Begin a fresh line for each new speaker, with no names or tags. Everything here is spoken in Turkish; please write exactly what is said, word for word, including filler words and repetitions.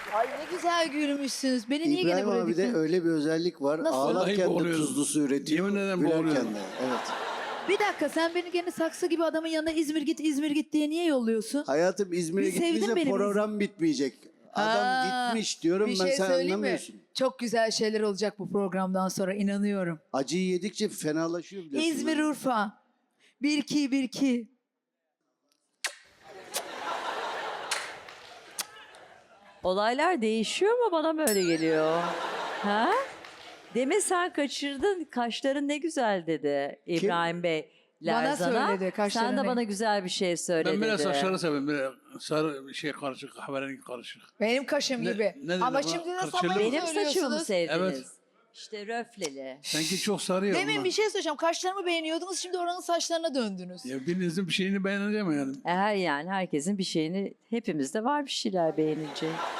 Ay ne güzel gülmüşsünüz. Beni niye gene
İbrahim
buraya
abi de
diktin?
öyle bir özellik var.
Nasıl?
Vallahi
Ağlarken de
boğuluyorum.
tuzlu su üretiyor.
Yemin ederim
gülerken
boğuluyorum.
de. Evet.
Bir dakika sen beni gene saksı gibi adamın yanına İzmir git İzmir git diye niye yolluyorsun?
Hayatım İzmir'e
Bir sevdin
gittiyse
beni,
program bitmeyecek. Adam
Ha,
gitmiş diyorum
bir
ben,
şey
sen
söyleyeyim mi?
anlamıyorsun.
Çok güzel şeyler olacak bu programdan sonra inanıyorum.
Acıyı yedikçe fenalaşıyor biliyorsun.
İzmir
ha.
Urfa. Bir iki bir iki.
Olaylar değişiyor mu bana mı öyle geliyor? Ha? Demin sen kaçırdın. Kaşların ne güzel dedi İbrahim Bey.
Bana
Lerzan'a.
söyledi, kaşların
Sen de
ne-
bana güzel bir şey söyle
Ben
dedi.
böyle saçları seviyorum. Böyle sarı bir şey karışık, kahverengi karışık.
Benim kaşım
Ne-
gibi.
ne dedi
Ama
bu?
şimdi de
Kırçeli
samanı
mi?
Benim saçımı mı
söylüyorsunuz.
sevdiniz?
Evet.
İşte röfleli.
Sanki çok sarı ya
Demin
bunlar.
bir şey söyleyeceğim. Kaşlarımı beğeniyordunuz şimdi oranın saçlarına döndünüz.
Ya birinizin bir şeyini beğeneceğim yani.
Her yani herkesin bir şeyini, hepimizde var bir şeyler beğenilecek.